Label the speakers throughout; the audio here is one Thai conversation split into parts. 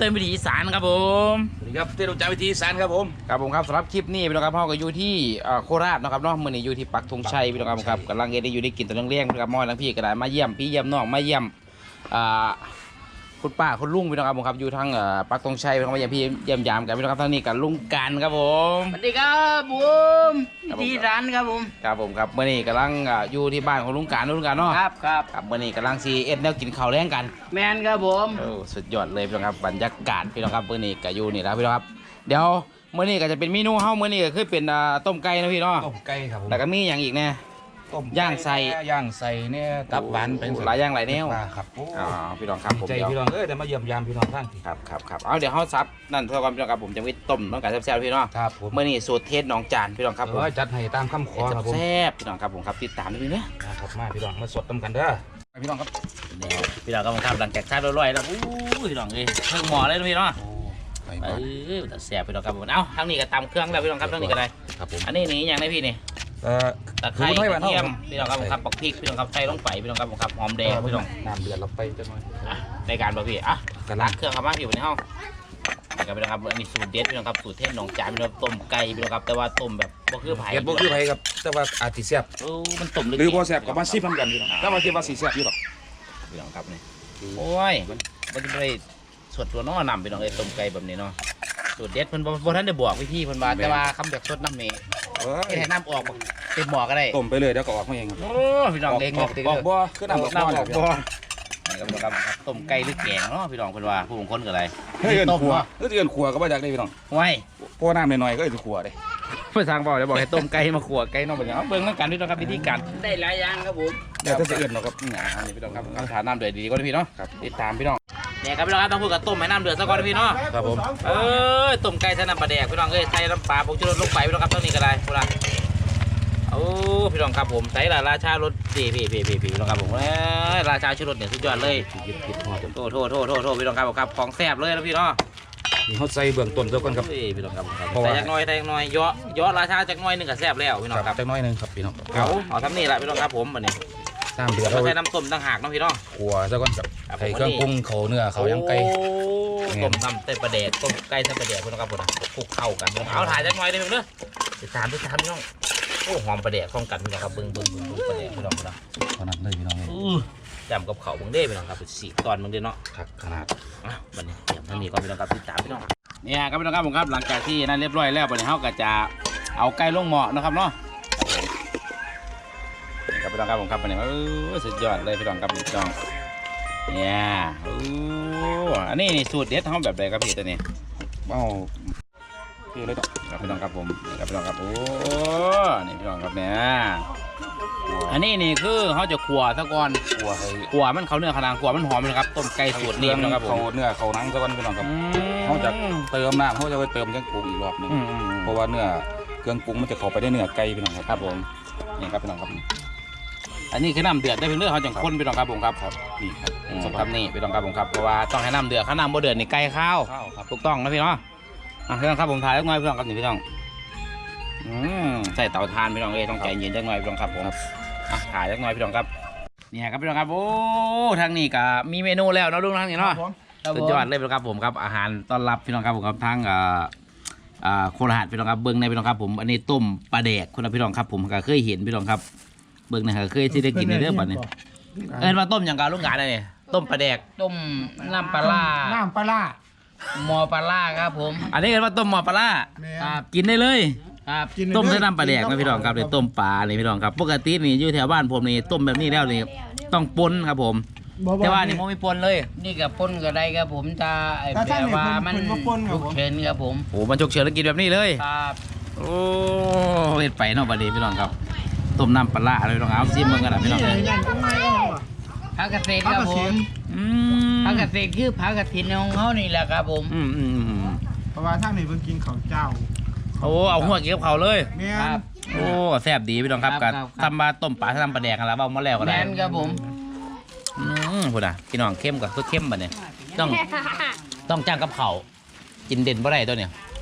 Speaker 1: ต้นวิถีอีสานครับผม
Speaker 2: สวัสดีครับเต้นรู้จักวิธีอีสานครับผม
Speaker 1: ครับสำหรับคลิปนี้พี่น้องครับพ่อก็อยู่ที่โคราชนะครับเนาะมื่อนี้อยู่ที่ปักธงชัยพี่น้องครับกำลังได้อยู่ได้กินตอนเลี้ยงพี่น้องครับมอทั้งพี่ก็ได้มาเยี่ยมพี่เยี่ยมน้องมาเยี่ยมคุณป้าคุณลุงพี่น้องครับอยู่ทั้งปักธงชัยพี่น้องมาเยี่ยมพี่เยี่ยมยามกันพี่น้องครับทั้งนี้กับลุงกันครับผม
Speaker 3: สวัสดีครับผมที่ร้านครับผม
Speaker 1: ครับเมื่อนี้กำลังอยู่ที่บ้านของลุงกันเนาะครับเมื่อนี้กำลังซีเอ็ดแนวกินข้าวแรงกัน
Speaker 3: แมนครับผม
Speaker 1: สุดยอดเลยพี่น้องครับบรรยากาศพี่น้องครับเมื่อนี้ก็อยู่นี่แล้วพี่น้องครับเดี๋ยวเมื่อนี้ก็จะเป็นเมนูเฮ้าเมื่อนี้ก็คือเป็นต้มไก่นะพี่เนาะ
Speaker 2: ต้มไก่ครับผม
Speaker 1: แล้วก็มีอย่างอีกเนี่ยย่างใส่
Speaker 2: เนี่ยตับหวานเป็น
Speaker 1: หลายอย่างหลายแนว
Speaker 2: ครับ
Speaker 1: พี่น้องครับผม
Speaker 2: ใจพี่น้องแต่มาเยี่ยมยามพี่น้องท่าน
Speaker 1: ครับเอาเดี๋ยวเขาซับนั่นเพื่อความพี่น้องครับผมจะไปต้มน้องไก่แซ่บๆพี่น้อง
Speaker 2: ครับผม
Speaker 1: เมื่อนี้สูตรเทศน้องจานพี่น้องครับผม
Speaker 2: จัดให้ตามคำขอครับผม
Speaker 1: แซ่บพี่น้องครับผมครับติดตามด้วยนะ
Speaker 2: ครับมาพี่น้องมาสดต้มกันเด้อพี่น้องครับ
Speaker 1: พี่น้องครับหลังจากทานอร่อยแล้วพี่น้องเลยเพิ่งหมอเลยพี่น้องแต่แซ่บพี่น้องครับผมเอ้าทั้งนี้ก็ตำเครื่องแล้วพี่น้องครับทั้งนี้ก็ได้
Speaker 2: ครับผม
Speaker 1: อันนี้นี่อย่างไรพี่นี่ตะไคร้กระเทียมพี่น้องครับผมครับปักพริกพี่น้องครับใส่ลงไปพี่น้องครับผมครับหอมแดงพี่น้อง
Speaker 2: น้ำเดือดเราไปจังหน่อย
Speaker 1: ในการบ่พี่กระลาเครื่องครับมาอยู่ในห้องพี่น้องครับอันนี้สูตรเด็ดพี่น้องครับสูตรเทศหนองจานพี่น้องต้มไก่พี่น้องครับแต่ว่าต้มแบบบ่คือไผ่
Speaker 2: บ่คือไผ่ครับแต่ว่าอาจจะแซ่บ
Speaker 1: มันต้ม
Speaker 2: หรือบ่แซ่บกับมาซิพร้อมกันพี่น้องแล้วมาคิดว่าสีแซ่บอยู่หรอก
Speaker 1: พี่น้องครับนี่โอ้ยมันจะไม่สดตัวน้อนำพี่น้องเลยต้มไก่แบบนี้เนาะสูตรเด็ดเพิ่นบ่ทันได้บอกพี่เพิ่นว่าแต่ว่าคำแบบสดน้ำเมย์ให้น้ำออกเต็มหม้อก็ได้
Speaker 2: ต้มไปเลยแล้วก็ออกมาเองครับ
Speaker 1: โอ้พี่น้องเอง
Speaker 2: ออกบ่คือน้ำออกบ่นี่
Speaker 1: ครับต้มไก่หรือแกงเนาะพี่น้องเพิ่นว่าผู้บางคนก็อะไร
Speaker 2: ต้มขัวก็จะเอิ้นขัวก็บ่อยากได้พี่น้อง
Speaker 1: ไว้
Speaker 2: พอน้ำหน่อยๆก็จะขัวได้
Speaker 1: เพื่อทางบอกจะบอกให้ต้มไก่มาขัวไก่น้องเป็นอย่างเบิ่งแล้วกันพี่น้องครับวิธีการ
Speaker 3: ได้หลายอย่างครับผม
Speaker 2: เดี๋ยวจะเอิ้นเนาะครับ
Speaker 1: นี่พี่น้องครับเอาถาน้ำเดือดดีก็ได้พี่เนาะติดตามพี่น้องเนี่ยครับพี่น้องครับต้องพูดกับต้มให้น้ำเดือดซะก่อนพี่เนาะ
Speaker 2: ครับผม
Speaker 1: ต้มไก่ใส่น้ำปลาแดกพี่น้องใส่น้ำปลาผงชูรสลงไปพี่น้องครับต้องนี่ก็ได้พวกเราพี่น้องครับผมใส่ราชารสพี่พี่น้องครับผมราชาชูรสเนี่ยสุดยอดเลยโทษพี่น้องครับของแซ่บเลยนะพี่เนาะ
Speaker 2: นี่เขาใส่เบื้องต้นเท่ากันครับ
Speaker 1: พี่น้องครับใส่จักน้อยย่อราชาจักน้อยนึงก็แซ่บแล้วพี่น้องครับ
Speaker 2: จักน้อยนึงครับพี่น้อง
Speaker 1: เอาทำนี่แหละพี่น้องครับผมแบบนี้
Speaker 2: น้ำเดือด
Speaker 1: เราใช้น้ำต้มต่างหากน้องพี่น้อง
Speaker 2: ขัวซะก่อนครับใส่เครื่องปรุงเขาเนื้อเขายังไก่
Speaker 1: ต้มทำเต้นปลาแดกต้มไก่เต้นปลาแดกพี่น้องครับผมคลุกเข้ากันเอาถ่ายจักน้อยได้ไหมเด้อติดตามพี่น้องโอ้หอมปลาแดกคล่องกันพี่น้องครับบึ้งปลาแดกพี่น้องนะ
Speaker 2: ขนาดเลยพี่น้อง
Speaker 1: จำกับเขาบึ้งเด้พี่น้องครับสีตอนบึ้งเด้เนาะ
Speaker 2: ขนาด
Speaker 1: บันนี้เดี๋ยวท่านนี้ก็พี่น้องครับติดตามพี่น้องเนี่ยครับพี่น้องครับผมครับหลังจากที่นั่นเรียบร้อยแล้วบันนี้เขาก็จะเอาไก่ลงหม้อนะครับเนาะครับพี่น้องครับผมครับบันนี้สุดยอดเลยพี่น้องครับพี่น้องเนี่ยอันนี้สูตรเด็ดเขาแบบใดครับพี่ตัวนี้
Speaker 2: พี่เลย
Speaker 1: ครับพี่น้องครับผมครับพี่น้องครับโอ้นี่พี่น้องครับเนี่ยอันนี้นี่คือเขาจะขัวซะก่อนขัวมันเขาเนื้อขนาดขัวมันหอมนะครับต้มไก่สูตรนี้พี่น้องครับ
Speaker 2: เขาเนื้อเขาหนังซะก่อนพี่น้องครับเขาจะเติมน้ำเขาจะไปเติมเครื่องปรุงอีกรอบนึงเพราะว่าเนื้อเครื่องปรุงมันจะเข้าไปได้เนื้อไก่พี่น้องครับ
Speaker 1: ผมนี่ครับพี่น้องครับอันนี้คือน้ำเดือดได้เพียงเรื่องเขาจังข้นพี่น้องครับผมครับ
Speaker 2: นี่ครับ
Speaker 1: ครับนี่พี่น้องครับผมครับเพราะว่าต้องให้น้ำเดือดข้าน้ำบ่เดือดนี่ไก่ข้าวถูกต้องนะพี่น้องพี่น้องครับผมถ่ายจักหน่อยพี่น้องครับนี่พี่น้องใส่เตาถ่านพี่น้องต้องใจเย็นจักหน่อยพี่น้องครับผมถ่ายจักหน่อยพี่น้องครับเนี่ยครับพี่น้องครับโอ้ทางนี้ก็มีเมนูแล้วเนาะลุงทางนี้เนาะสุดยอดเลยพี่น้องครับผมครับอาหารต้อนรับพี่น้องครับผมครับทางโคราชพี่น้องครับเบิ้งในพี่น้องครับผมอันนี้ต้มปลาแดกคุณพี่น้องครับผมก็เคยเห็นพี่น้องครับเบิ้งนะครับเคยที่ได้กินในเรื่องแบบนี้มาต้มอย่างการลูกหลานเลยต้มปลาแดก
Speaker 3: ต้มน้ำปลาหม้อปลาครับผม
Speaker 1: อันนี้เรียกว่าต้มหม้อปลากินได้เลยต้มใส่น้ำปลาแดกนะพี่น้องครับเลยต้มปลาเลยพี่น้องครับปกตินี่อยู่แถวบ้านผมนี่ต้มแบบนี้แล้วนี่ต้องปนครับผมแต่ว่านี่มันไม่ปนเลย
Speaker 3: นี่กับปนก็ได้ครับผมจะแบบว่ามันฉุกเฉินครับผม
Speaker 1: โอ้มันฉุกเฉินแล้วกินแบบนี้เลย
Speaker 3: ครับ
Speaker 1: โอ้เห็ดไปเนาะประเดี๋ยวพี่น้องครับต้มน้ำปลาอะไรพี่น้องเอาซิมมันกันนะพี่น้องเลย
Speaker 3: ผักกระเทียมครับผมผักกระเทียมคือผักกระเทียมของเขานี่แหละครับผม
Speaker 4: เพราะว่าท่านนี่เพิ่งกินข้าวเจ้า
Speaker 1: โอ้เอาหัวเกี่ยวเขาเลย
Speaker 4: ครับ
Speaker 1: โอ้แซ่บดีพี่น้องครับการทำมาต้มปลาทำปลาแดกกันแล้วเอามาแล้วก็ได้
Speaker 3: ครับผม
Speaker 1: พูดนะพี่น้องเข้มกับคือเข้มแบบนี้ต้องจ้างกับเขากินเด่นบ่ได้ตัวเนี่ย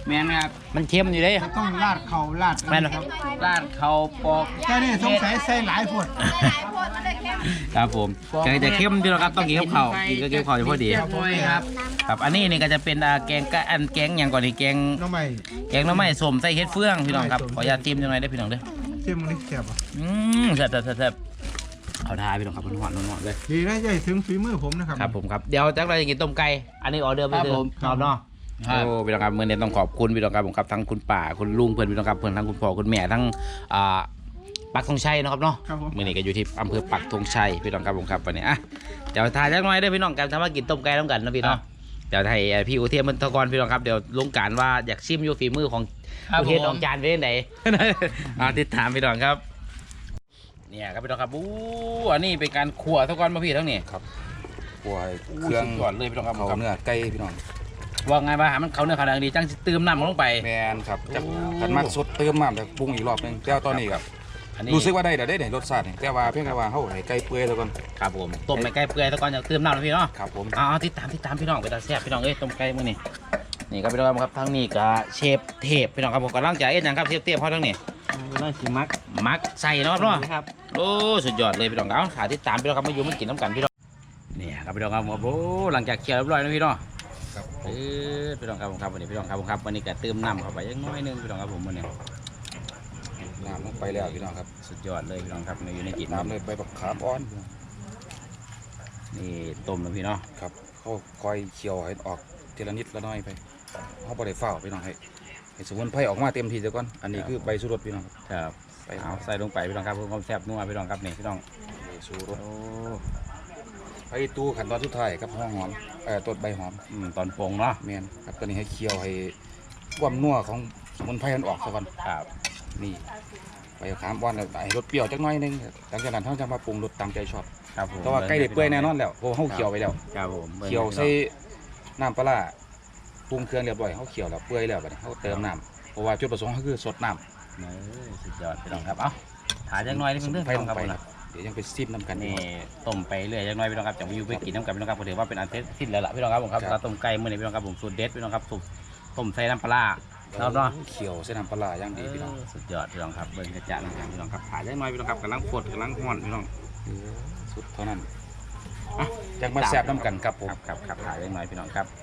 Speaker 3: แม่นครับ
Speaker 1: มันเค็มอยู่เด้
Speaker 4: จะต้องราดเข่าราด
Speaker 1: แม่น
Speaker 4: ครับ
Speaker 3: ราดเขาปอก
Speaker 4: แค่นี้สงสัยใส่หลายพวด
Speaker 1: ครับผมจะเค็มพี่น้องครับต้องกินกับข้าวกินกับข้าวจะพอดี
Speaker 3: ครับผมครับ
Speaker 1: ครับอันนี้นี่ก็จะเป็นแกงกะอันแกงอย่างก่อนนี่แกง
Speaker 4: น้องใหม่
Speaker 1: แกงหน้ำไม้ส้มใส่เห็ดเฟืองพี่น้องครับขออนุญาตจิ้มจังหน่อยได้อพี่น้องเด้อ
Speaker 4: เที่ยมนี่แซ่บอ่ะ
Speaker 1: แซ่บเขาทาพี่น้องครับมันหวานเลย
Speaker 4: ดีนะใหญ่ถึงฝีมือผมนะครับ
Speaker 1: ครับผมครับเดี๋ยวจักเราจะกินต้มไก่อันนี้ออเดอร์ไปเลยครับเนาะ
Speaker 3: ครับ
Speaker 1: โอ้พี่น้องครับเมื่อนี้ต้องขอบคุณพี่น้องครับผมครับทั้งคุณป่าคุณลุงเพื่อนพี่น้องครับเพื่อนทั้งคุณพ่อคุณแม่ทั้งปักธงชัยนะครับเนาะ
Speaker 4: ครับผม
Speaker 1: เมื่อนี้ก็อยู่ที่อำเภอปักธงชัยพี่น้องครับผมครับวันนี้อ่ะเดี๋ยวทายจักหน่อยได้อพี่น้องกันทำว่ากินต้มไก่ต้องกันนะพี่เนาะเดี๋ยวให้พี่อุเทนมันตะกอนพี่น้องครับเดี๋ยวลงการว่าอยากชิมอยู่ฝีมือของ
Speaker 3: ครับ
Speaker 1: อุเทน
Speaker 3: ผม
Speaker 1: ออกจานเป็นไหน ติดตามพี่น้องครับเนี่ยครับพี่น้องครับอู้อันนี้เป็นการขั่วตะกอนมาพี่ทั้งนี้
Speaker 2: ครับกลัวให้เครื่อง
Speaker 1: ก่อนเลยพี่น้องครับ
Speaker 2: เขาเนื้อไก่พี่น้อง
Speaker 1: ว่าไงบ้างมันเขาเนื้อขนาดนี้จังสิเติมน้ำลงไป
Speaker 2: แมนครับจักกันมากสดเติมน้ำแต่ปรุงอีกรอบหนึงแต่ว่าตอนนี้ครับ
Speaker 1: อันนี้
Speaker 2: รู้สึกว่าได้แต่ได้รสชาตินี่แต่ว่าเพียงแต่ว่าเฮาให้ไก่เปื่อยแล้วก่อน
Speaker 1: ครับผมต้มไปไก่เปื่อยตะกอนจะเติมน้ำนะพี่เนาะ
Speaker 2: ครับผม
Speaker 1: เอาติดตามพี่น้องไปตาแซ่บพี่น้องเอ้ยต้มไก่มื้อนี้นี่ครับพี่น้องครับทั้งนี้ก็เชฟเทพพี่น้องครับผมกำลังจะเอ็ดหยังครับเชฟเทพเขาทั้งนี้
Speaker 3: น่าสิมัก
Speaker 1: ใส่เนาะครับเนาะ
Speaker 3: ครับ
Speaker 1: โอ้สุดยอดเลยพี่น้องเอาขาติดตามพี่น้องครับมาอยู่มากินน้ำกันพี่น้องเนี่ยครับพี่น้องครับโอ้หลังจากเคี่ยวเรียบร้อยนะพี่น้อง
Speaker 2: ครับ
Speaker 1: พี่น้องครับผมครับวันนี้พี่น้องครับผมครับวันนี้ก็เติมน้ำเข้าไปยังน้อยนึงพี่น้องครับผมวันนี้
Speaker 2: น้ำลงไปแล้วพี่น้องครับ
Speaker 1: สุดยอดเลยพี่น้องครับในอยู่ในกิน
Speaker 2: น้ำเลยไปบักขามอ่อนพี่น้อง
Speaker 1: นี่ต้มนะพี่เนาะ
Speaker 2: ครับเขาคอยเคี่ยวให้ออกทีละนิดละน้อยไปเขาบ่ได้เฝ้าพี่น้องให้สมุนไพรออกมาเต็มที่ซะก่อนอันนี้คือใบสุรสพี่น้องครับ
Speaker 1: ครับ
Speaker 2: ไป
Speaker 1: เอาใส่ลงไปพี่น้องครับเพื่อความแซ่บนัวพี่น้องครับนี่พี่น้อง
Speaker 2: ใบสุรส
Speaker 1: โอ้
Speaker 2: ไปตู้ขั้นตอนสุดท้ายครับห้องหอมต้นใบหอม
Speaker 1: ตอนปรุงเนาะ
Speaker 2: แมนครับตัวนี้ให้เคี่ยวให้ความนัวของสมุนไพรมันออกซะก่อน
Speaker 1: ครับ
Speaker 2: นี่ใบขามอ่อนแล้วให้รสเปรี้ยวจักหน่อยหนึงหลังจากนั้นเขาจะมาปรุงรสตามใจชอบ
Speaker 1: ครับผม
Speaker 2: แต่ว่าใกล้ได้เปื่อยแน่นอนแล้วเพราะเขาเคี่ยวไปแล้ว
Speaker 1: ครับผม
Speaker 2: เคี่ยวใส่น้ำปลาร้าปรุงเครื่องเรียบร้อยเขาเคี่ยวแล้วเปื่อยแล้วบัดนี้เขาเติมน้ำเพราะว่าจุดประสงค์เขาคือสดน้ำ
Speaker 1: สุดยอดพี่น้องครับเอ้าถ่ายจังน้อยนิดนึงเด้อ
Speaker 2: ไฟ
Speaker 1: พี่
Speaker 2: ล
Speaker 1: น้อง
Speaker 2: ง
Speaker 1: ครับ
Speaker 2: ไป
Speaker 1: ผม
Speaker 2: นะ
Speaker 1: นะ
Speaker 2: เดี๋ยวยังไปซิมน้ำกัน
Speaker 1: นี่
Speaker 2: นี่
Speaker 1: ต้มไปเรื่อยจังน้อยพี่น้องครับจะไปอยู่ไปกินน้ำกันพี่น้องครับผมถือว่าเป็นอันเสร็จสิ้นแล้วล่ะพี่น้องครับผมครับ
Speaker 2: ครับ
Speaker 1: เราต้มไก่มื้อนี้พี่น้องครับผมสูตรเด็ดพี่น้องครับสูตรต้มใส่น้ำปลาร้าครับเนาะ
Speaker 2: เคี่ยวใส่น้ำปลาร้าอย่างดีพี่น้อง
Speaker 1: สุดยอดพี่น้องครับเบิ่งกระจานะครับพี่น้องครับถ่ายจังน้อยพี่น้องครับกำลังฟดกำลังฮ้อนพี่น้อง
Speaker 2: สุดเท่านั้นจังมาแซ่บน้ำกันครับผม
Speaker 1: ครับถ่ายจังน้อยพี่น้องครับ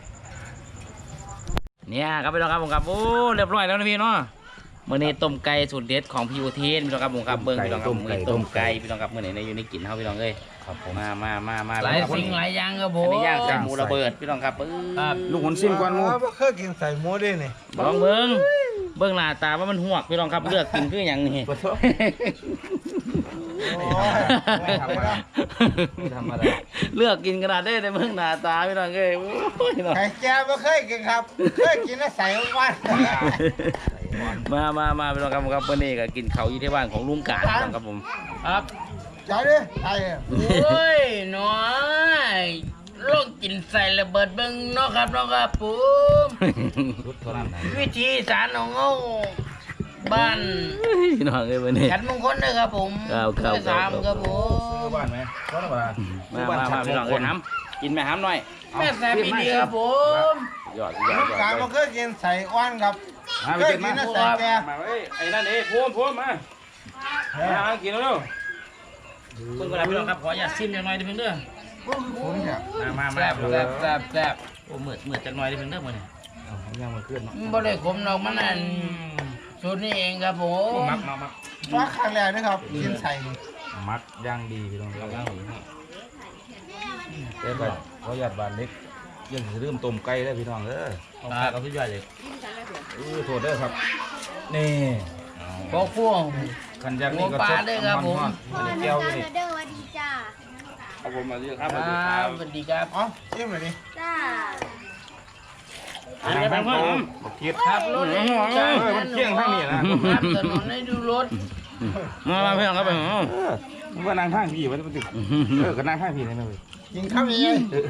Speaker 1: เนี่ยครับพี่น้องครับผมครับโอ้เรียบร้อยแล้วนะพี่เนาะมื้อนี้ต้มไก่สูตรเด็ดของพี่อุเทนพี่น้องครับผมครับเบิ่งพี่น้องครับมื้อนี้ต้มไก่พี่น้องครับมื้อนี้ในอยู่ในกินเฮาพี่น้องเอ้ย
Speaker 2: ครับผม
Speaker 1: มา
Speaker 3: หลายสิ่งหลายอย่างครับผ
Speaker 1: อั
Speaker 3: ม
Speaker 1: นนี้ย่างใส่หมูระเบิดพี่น้องครับ
Speaker 3: ครับ
Speaker 2: ลูกหุ่นซิมก่อนหมู
Speaker 4: บ่เคยกินใส่หมูด้วยนี่
Speaker 1: ลองเบิ่งหน้าตาว่ามันหวกพี่น้องครับเลือกกินคืออย่างนี้
Speaker 4: โอ้ยไม่ธรรมดา
Speaker 2: ธรรมดา
Speaker 1: เลือกกินขนาดได้ในเบิ่งหน้าตาพี่น้องเอ้ยโอ้ยเนาะ
Speaker 4: ไข่แก่บ่เคยกินครับ เคยกินแล้วใส่วัน
Speaker 1: มาพี่น้องครับผมครับวันนี้ก็กินข้าวอยู่ที่บ้านของลุงกาดพี่น้องครับผม
Speaker 3: ครับ
Speaker 4: ใจดิไอ้
Speaker 3: โอ้ยน้อยลองกินใส่ระเบิดเบิ่งเนาะครับผม
Speaker 2: สุดเท่านั้นนะ
Speaker 3: วิธีสารของเฮาบ้าน
Speaker 1: พี่น้องเอ้ยวันนี้
Speaker 3: ขันมงคลนะครับผม
Speaker 1: ครับ
Speaker 3: เบอร์สามครับผม
Speaker 2: บ้านไหมบ้านอะไร
Speaker 1: มาพี่น้องเอ้ยห้ำกินไหมห้ำหน่อย
Speaker 3: แม่แซ่บอีดีครับผม
Speaker 1: ยอด
Speaker 4: ลูกกาบ่เคยกินใส่อ้วนครับ
Speaker 2: มาไป
Speaker 4: เคย
Speaker 2: กิน
Speaker 4: กิ
Speaker 2: มาน
Speaker 4: แล้วใส่แก่
Speaker 1: มาเว้ยไอ้นั่นเอ้ยพูมมากินแล้วเพิ่งเวลาพี่น้องครับขออย่าซิมจังหน่อยดิเพิ่งเด้อ
Speaker 4: ผมเนี่ย
Speaker 1: มา
Speaker 3: แซ่บแซ่บ
Speaker 1: โอ้เหมือนจังหน่อยดิเพิ่งเด้อมื้อนี้
Speaker 2: ยังมาขึ้นเนาะ
Speaker 3: บ่ได้ขมดอกมันนั่นสูตรนี้เองครับผม
Speaker 1: มัก
Speaker 4: ว่าครั้งแรกนะครับ กินใส่นี่
Speaker 2: มัดย่างดีพี่น้องย่างดีแต่แบบเขาหยาดบานเล็กยังจะเริ่มต้มไก่ได้พี่น้องเด้อ
Speaker 1: ต้องพาเขาสุดยอดเลย
Speaker 2: โทษเด้อครับนี่
Speaker 3: บอกพวก
Speaker 2: ขันย่างนี่ก็
Speaker 3: หัวปลาเด้อครับผม
Speaker 2: อันนี้แก้วอยู่นี่
Speaker 5: เด้อสวัสดีจ้า
Speaker 1: ครับผมมาเรียกครับ
Speaker 3: ครับสวัสดีครับ
Speaker 4: เอ๋อชิมหน่อยดิ
Speaker 5: จ้า
Speaker 1: อันนี้เป็นผม
Speaker 2: บักเทียด
Speaker 3: ครับรถในจ้า
Speaker 2: มันเที่ยงทางนี้นะ
Speaker 3: ครับถนนให้ดูรถ
Speaker 1: มาพี่น้องครับผม
Speaker 2: มันว่านางข้างพี่มันติดก็นางข้างพี่เลยนะเว้ย
Speaker 4: กินข้าวยังไง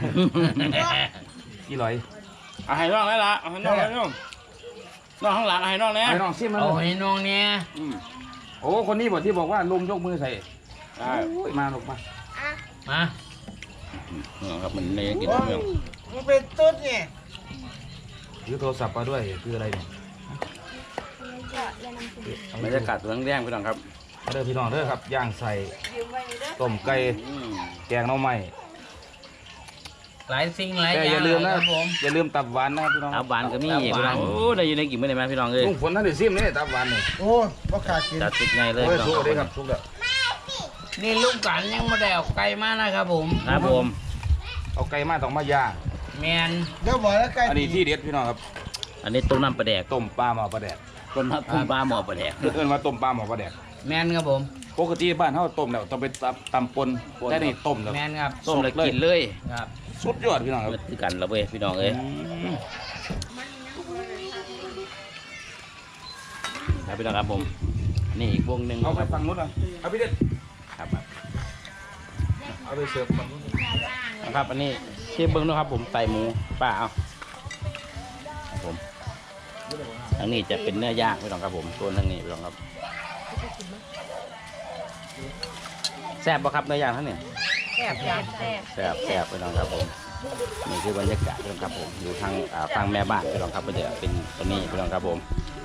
Speaker 2: กี่ร้อย
Speaker 1: เอาให้น้องได้ละเอาให้น้องได้น้องข้างหลังให้น้องเนี่ย
Speaker 2: ไอ้น้องซิมมา
Speaker 3: เอาให้น้องเนี่ย
Speaker 2: โอ้คนนี้บอกที่บอกว่าลุมยกมือใส่
Speaker 1: ได้
Speaker 2: มาลงมา
Speaker 3: มา
Speaker 1: ครับมันเลยกิน
Speaker 4: โอ้ย
Speaker 1: เรื่อง
Speaker 4: มันเป็นตุ๊ดนี่
Speaker 2: ถือโทรศัพท์มาด้วยคืออะไรเนี่ย
Speaker 1: บรรยากาศตัวแดงๆพี่น้องครับ
Speaker 2: เด้อพี่น้องเด้อครับย่างใส่ต้มไก่
Speaker 1: อืม
Speaker 2: แกงหน่อไม้
Speaker 3: หลายสิ่งหลาย
Speaker 2: แต่
Speaker 3: อ
Speaker 2: อย่า
Speaker 3: ย่าง
Speaker 2: ลืมนะครับ
Speaker 3: ผม
Speaker 2: อย่าลืมตับหวานนะครับพี่น้อง
Speaker 1: ตับหวานก็มี
Speaker 3: ตับหวาน
Speaker 1: พี่น้องโอ้ได้อยู่ในกินไม่ได้ไหมพี่น้องเอ้ย
Speaker 2: ลุงฝนท่านได้ซิมนี่ตับหวานนี่
Speaker 4: โอ้ยบ่ขาดกิน
Speaker 1: จัดติดไงเลย
Speaker 2: โอ้ย
Speaker 1: พี่น้อง
Speaker 2: สุกเลยครับสุกแล้ว
Speaker 3: นี่ลูกกันยังไม่ได้เอาไก่มานะครับผม
Speaker 1: ครับผม
Speaker 2: เอาไก่มาต้องมาย่าง
Speaker 3: แมน
Speaker 4: เดี๋ยวบอกแล้วใกล้
Speaker 2: อันนี้ที่เด็ดพี่น้องครับ
Speaker 1: อันนี้ต้มน้ำปลาแดก
Speaker 2: ต้มปลาหม้อปลาแดก
Speaker 1: ต้มน้ำปลาหม้อปลาแดก
Speaker 2: เอิ้นว่าต้มปลาหม้อปลาแดก
Speaker 3: แมนครับผม
Speaker 2: ปกติบ้านเฮาต้มแล้วต้องไปตำปนแต่นี่ต้มแล้ว
Speaker 3: แมนครับ
Speaker 1: ต้มแล้วกินเลย
Speaker 3: ครับ
Speaker 2: สุดยอดพี่น้องครับ
Speaker 1: มันคือกันแล้วเว้ยพี่น้องเอ้ยครับพี่น้องครับผมนี่อีกวงหนึ่ง
Speaker 2: เอาไปฝั่งนู้นอ่ะเอาพี่เด็ด
Speaker 1: ครับ
Speaker 2: เอาไปเสิร์ฟฝั่งนู้น
Speaker 1: นะครับอันนี้เชฟเบิ้งนะครับผมใส่หมูป้าเอาครับผมทางนี้จะเป็นเนื้อย่างพี่น้องครับผมส่วนทางนี้พี่น้องครับแซ่บปะครับเนื้อย่างท่านนี่
Speaker 5: แซ่บจ้ะแซ่บ
Speaker 1: แซ่บแซ่บพี่น้องครับผมนี่คือบรรยากาศพี่น้องครับผมอยู่ทางฝั่งแม่บ้านพี่น้องครับก็จะเป็นตัวนี้พี่น้องครับผม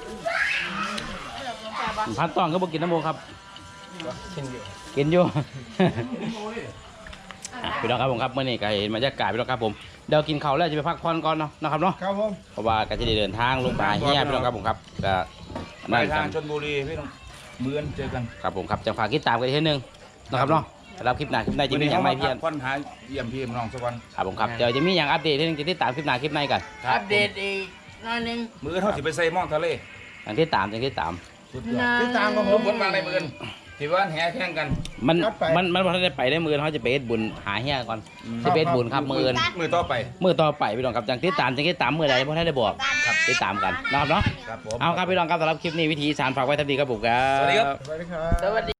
Speaker 1: พันตองก็บอกกินน้ำโมครับกินอยู่ อ่ะพี่น้องครับผมครับเมื่อนี้ก็เห็นบรรยากาศพี่น้องครับผมเดี๋ยวกินข้าวแล้วจะไปพักผ่อนก่อนเนาะนะครับเนาะ
Speaker 4: ครับผม
Speaker 1: เพราะว่าก็จะได้เดินทางลงมาเฮียพี่น้องครับผมครับก็
Speaker 2: ไป
Speaker 1: นั่นกั
Speaker 2: ทาง
Speaker 1: น
Speaker 2: ชลบุรีพี่น้องมื้อนี้เจอกัน
Speaker 1: ครับผมครับจังฝากติดตามกันอีกทีนึงนะครับเนาะสำหรับคลิปหน้าคลิปในจะมีอย่างไรเพียน
Speaker 2: คนหาเยี่ยมพี่น้องสักวัน
Speaker 1: ครับผมครับเดี๋ยวจะมีอย่างอัปเดตที่นึงจะติดตามคลิปหน้าคลิปในกัน
Speaker 3: อัปเดตอีกหน่อยหนึง
Speaker 2: มื้อเฮาสิไปใส่หม้องทะเล
Speaker 1: อย่างที่ตามอย่างที่ตาม
Speaker 2: สุดยอด
Speaker 4: ติดตามกับผ
Speaker 2: ลุ
Speaker 4: ม
Speaker 2: งฝนมาในมื้อนี้ที่ว่าแห่แข่งกัน
Speaker 1: มัน
Speaker 4: ครับไป
Speaker 1: มันพอได้ไปได้มือเขาจะไปเฮ็ดบุญหาเฮียก่อนจะไปเฮ็ดบุญครับมืออื่น
Speaker 2: มื้อต่อไป
Speaker 1: มือต่อไปพี่น้องครับจังที่ตามจังที่ตามมือใดเพราะได้บอกครับติดตามกันนะครับเนาะ
Speaker 2: ครับผม
Speaker 1: เอาครับพี่น้องครับสำหรับคลิปนี้วิธีสารฝากไว้ทันทีครับผมครับ
Speaker 2: สวัสดีครับ
Speaker 4: สวัสดีครับ
Speaker 3: สวัสดี